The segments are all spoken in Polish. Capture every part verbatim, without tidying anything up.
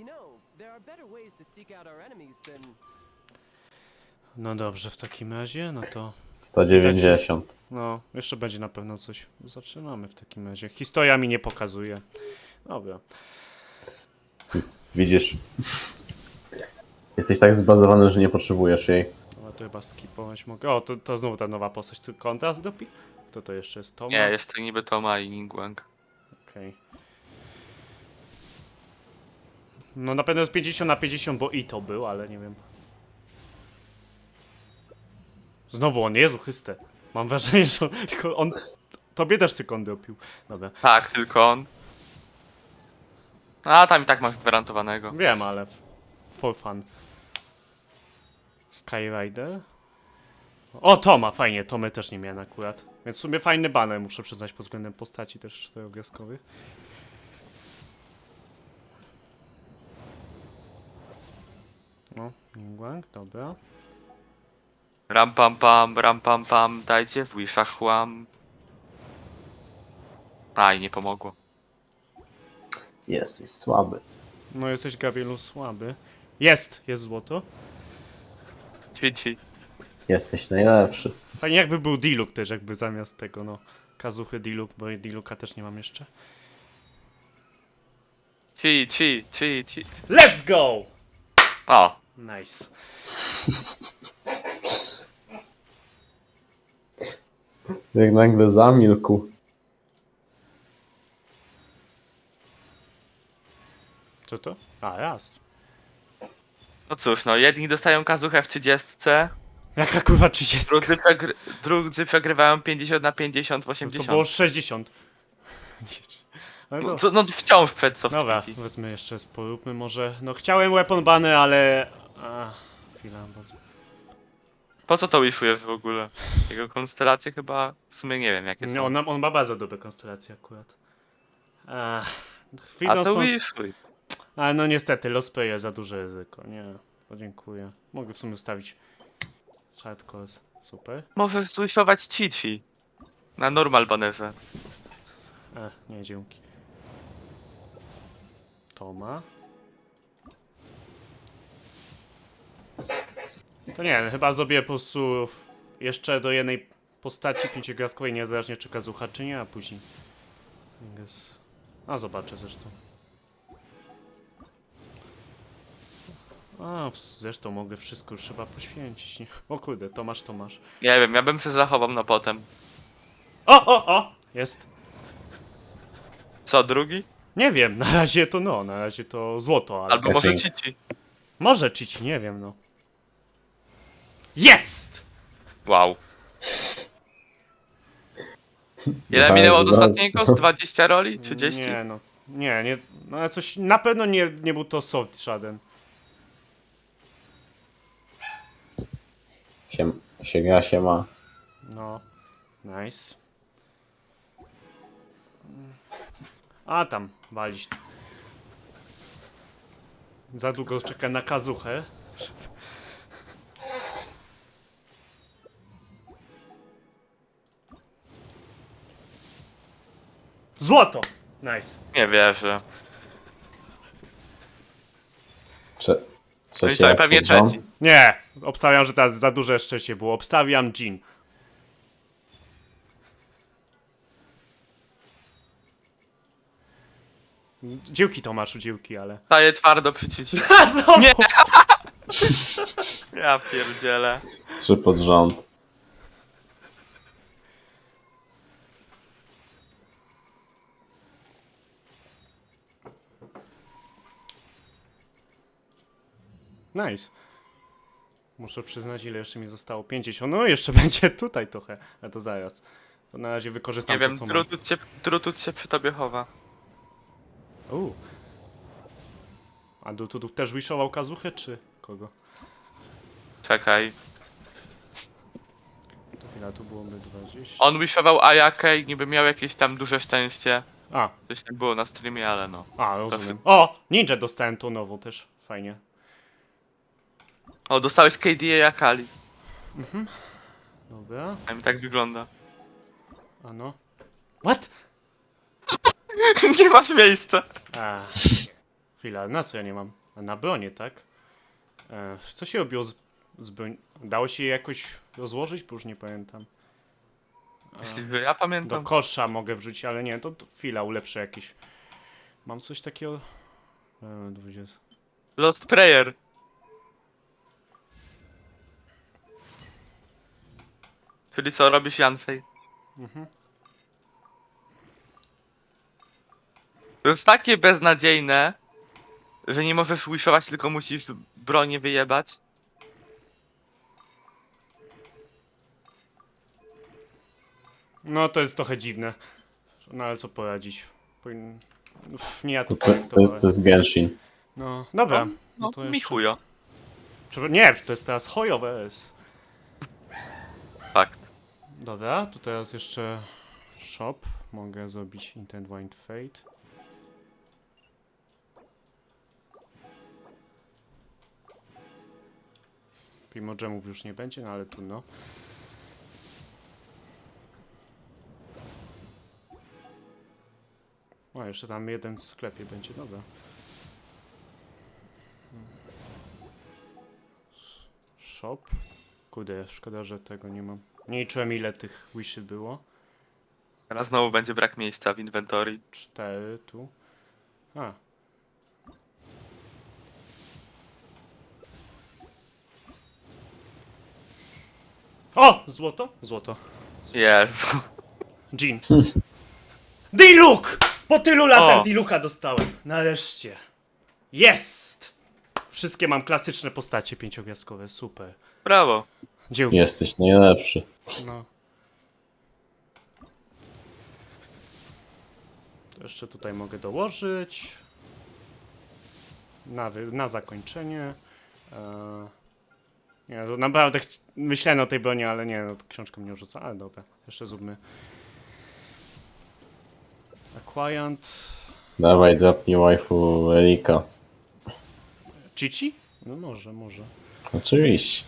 No dobrze, w takim razie, no to... sto dziewięćdziesiąt. No, jeszcze będzie na pewno coś. Zaczynamy w takim razie. Historia mi nie pokazuje. Dobra. Widzisz? Jesteś tak zbazowany, że nie potrzebujesz jej. No to chyba skipować mogę. O, to, to znowu ta nowa postać. Tu kontrast dopi? Kto to jeszcze jest? Toma? Nie, jest to niby Toma i Ningguang. Okej. No na pewno jest pięćdziesiąt na pięćdziesiąt, bo i to był, ale nie wiem. Znowu on, Jezu Chryste. Mam wrażenie, że on, tylko on... Tobie też tylko on dopił. Dobra. Tak, tylko on. A tam i tak masz gwarantowanego. Wiem, ale... For fun. Skyrider? O, Toma, fajnie, Tomy też nie miałem akurat. Więc w sumie fajny banner, muszę przyznać, pod względem postaci też czterogwiazdkowych. No, Ningguang, dobra. Ram pam pam, ram pam pam, dajcie w wishach chłam. Aj, nie pomogło. Jesteś słaby. No jesteś, Gabrielu, słaby. Jest! Jest złoto. Ci, ci. Jesteś najlepszy. Fajnie jakby był Diluc też, jakby zamiast tego, no. Kazuchy Diluc, bo Diluca też nie mam jeszcze. Ci, ci, ci, ci. Let's go! O, Nice. Jak nagle zamilkł. Co to? A, raz. no cóż, no jedni dostają kazuchę w trzydziestce, Jaka kurwa trzydzieści? drudzy, przegry drudzy przegrywają pięćdziesiąt na pięćdziesiąt w To osiemdziesiąt. było sześćdziesiąt. Ale No, to... co- no wciąż przed co w Dobra, Twitchi. wezmę jeszcze, poróbmy może. No chciałem weapon bany, ale... A, chwila, bo... Po co to wishujesz w ogóle? Jego konstelacje chyba w sumie nie wiem jakie Nie, są. on, on ma bardzo dobre konstelacje akurat. A, A chwilą to są... wishuj. Ale no niestety, Lost Player za duże ryzyko, nie. Podziękuję. Mogę w sumie ustawić Shard Course. Super. Możesz zwishować Cici. Na normal banerze. E, nie, dzięki. Toma. To nie, chyba zrobię po prostu jeszcze do jednej postaci pięciogwiazdkowej, niezależnie czy Kazucha, czy nie, a później. I guess. A zobaczę zresztą. A, w- zresztą mogę wszystko już chyba poświęcić, nie? O kurde, Tomasz, Tomasz. Nie wiem, ja bym się zachował na potem. O, o, o! Jest! Co, drugi? Nie wiem, na razie to no, na razie to złoto, ale... Albo może Catching. Cici. Może Cici, nie wiem, no. Jest! Wow. Ile Dwa minęło od razy. ostatniego? Z dwadzieścia roli? trzydzieści? Nie, no. Nie, nie, no ale coś, na pewno nie, nie był to soft żaden. Się, się gra, się ma. No, nice. A tam, walić. Za długo czeka na kazuchę. Złoto! Nice. Nie wierzę. Trze No i trzeci co, raz pewnie pod rząd. trzeci. Nie, obstawiam, że teraz za duże szczęście było. Obstawiam Jean. Dzięki Tomaszu, dzięki, ale... Staję twardo przy Cici. Ha, znowu! Nie. Ja pierdzielę. Trzy pod rząd. Nice. Muszę przyznać, ile jeszcze mi zostało. pięćdziesiąt. No jeszcze będzie tutaj trochę. A to zaraz. To na razie wykorzystam Nie to, wiem, co mam. drutut się, drutut się przy tobie chowa. U. A tu, tu, tu też wishował kazuchę, czy kogo? Czekaj. To chwila, tu byłoby dwadzieścia. On wishował Ayakę i niby miał jakieś tam duże szczęście. A, Coś tak było na streamie, ale no. a, rozumiem. O! Ninja dostałem tą nową też. Fajnie. O, dostałeś K D A Akali. Dobra. A mi tak wygląda. A no. What? Nie masz miejsca. A. Chwila, na co ja nie mam? A na bronię, tak? E, co się robiło z, z broń? Dało się je jakoś rozłożyć? Bo już nie pamiętam. Jeśli ja Do pamiętam. kosza mogę wrzucić, ale nie, to, to chwila, ulepszę jakieś. Mam coś takiego... E, dwadzieścia. Lost Prayer. Czyli co robisz, Janfej? Mhm. To jest takie beznadziejne, że nie możesz wishować, tylko musisz bronię wyjebać. No to jest trochę dziwne. No ale co poradzić? Powin... Uff, nie ja To, to to, to, jest, to jest Genshin. No, dobra. No, No no to mi jeszcze... chujo. Przepra- Nie, to jest teraz hojowe S. Fakt. Dobra, tu teraz jeszcze shop. Mogę zrobić Intent Wind Fate. Primogemów już nie będzie, no ale tu no. O, jeszcze tam jeden w sklepie będzie, dobra. Shop. Kurde, szkoda, że tego nie mam. Nie liczyłem ile tych wishy było. Teraz znowu będzie brak miejsca w inwentory. Cztery tu. A. O! Złoto? Złoto. Jezu. Jean. D-Look! Po tylu latach O! D-Looka dostałem. Nareszcie. Jest! Wszystkie mam klasyczne postacie pięciogwiazdkowe. Super. Brawo. Dziękuję. Jesteś najlepszy. No. To jeszcze tutaj mogę dołożyć. Na, wy- na zakończenie. Eee, nie, to naprawdę chci- myślałem o tej broni, ale nie, no, książka mnie rzuca, ale dobra. Jeszcze zróbmy. Acquirant. Dawaj, drapnij waifu Erika. Chichi? No może, może. Oczywiście.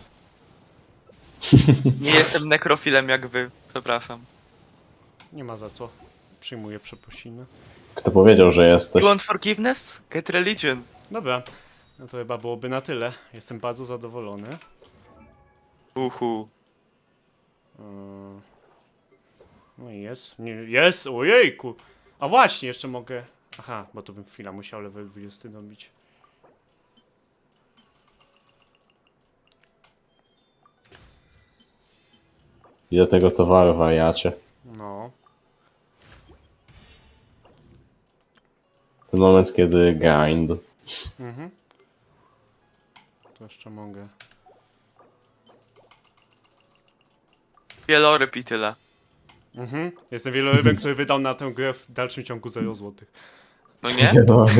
Nie jestem nekrofilem jak wy. Przepraszam. Nie ma za co. Przyjmuję przeprosiny. Kto powiedział, że jesteś? You want forgiveness? Get religion. Dobra. No to chyba byłoby na tyle. Jestem bardzo zadowolony. Uhu. Eee, No i jest. Nie, jest! Ojejku! A właśnie, jeszcze mogę... Aha, bo to bym chwila musiał level dwudziesty dobić. Ile tego towaru, wariacie? No. Ten moment, kiedy grind. Mhm. To jeszcze mogę. Wieloryb i tyle. Mhm. Jestem wielorybem, który wydał na tę grę w dalszym ciągu zero złotych. No nie?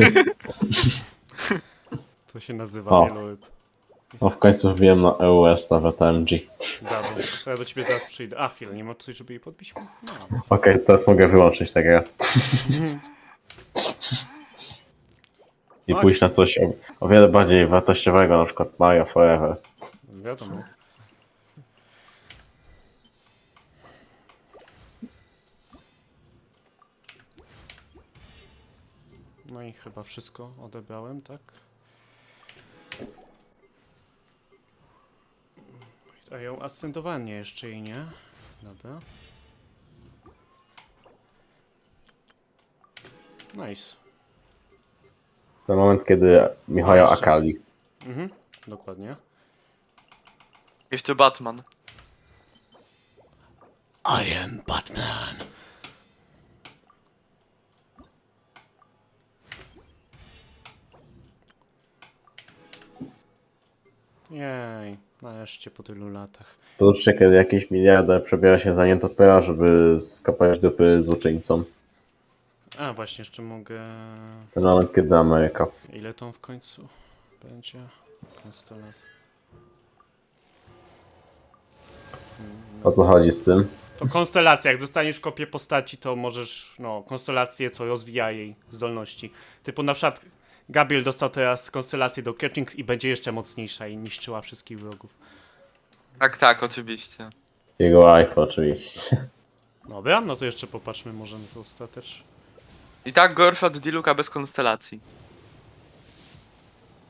To się nazywa O. wieloryb. No w końcu wbiłem na E U S nawet M G. Brawo. To ja do ciebie zaraz przyjdę. A, chwilę, nie ma coś, żeby jej podbić? No. Okej, teraz mogę wyłączyć tę grę. I Oj. pójść na coś o, o wiele bardziej wartościowego, na przykład Mario Forever. Wiadomo. No i chyba wszystko odebrałem, tak? A ją ascendowanie jeszcze jej nie. Dobra. Nice. Ten moment, kiedy Michał jeszcze. Akali. Mhm, dokładnie. Jeszcze Batman. I am Batman. Jej, nareszcie po tylu latach. To uczcie, kiedy jakiś miliarder przebiera się za nietopera, żeby skopać dupy złoczyńcom. A, właśnie, jeszcze mogę... Ten moment, kiedy Ameryka. Ile to w końcu będzie? Konstelacja. O co chodzi z tym? To konstelacja, jak dostaniesz kopię postaci, to możesz, no, konstelację, co rozwija jej zdolności. Typu na przykład Gabriel dostał teraz konstelację do catching i będzie jeszcze mocniejsza i niszczyła wszystkich wrogów. Tak, tak, oczywiście. Jego iPhone oczywiście. Dobra, no to jeszcze popatrzmy może na to ostatecz. I tak gorsza od Diluka bez konstelacji.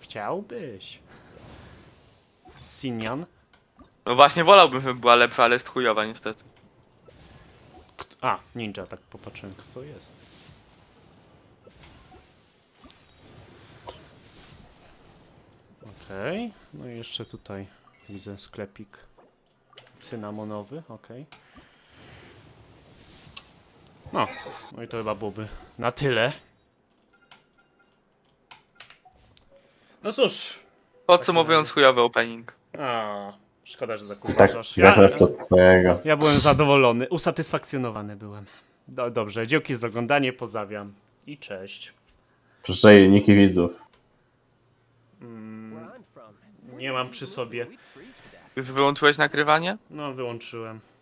Chciałbyś. Sinian. No właśnie wolałbym, żeby była lepsza, ale jest chujowa niestety. Kt- A, ninja, tak popatrzyłem, kto jest. Okej, no i jeszcze tutaj widzę sklepik cynamonowy, okej. No, no i to chyba byłoby na tyle. No cóż, Podsumowując, chujowy opening. a, szkoda, że tak Tak, uważasz. tak lepszy od twojego. Ja byłem zadowolony, usatysfakcjonowany byłem. Do, dobrze, dzięki za oglądanie, pozdrawiam i cześć. Przejniki widzów. Nie mam przy sobie. Już wyłączyłeś nagrywanie? No, wyłączyłem.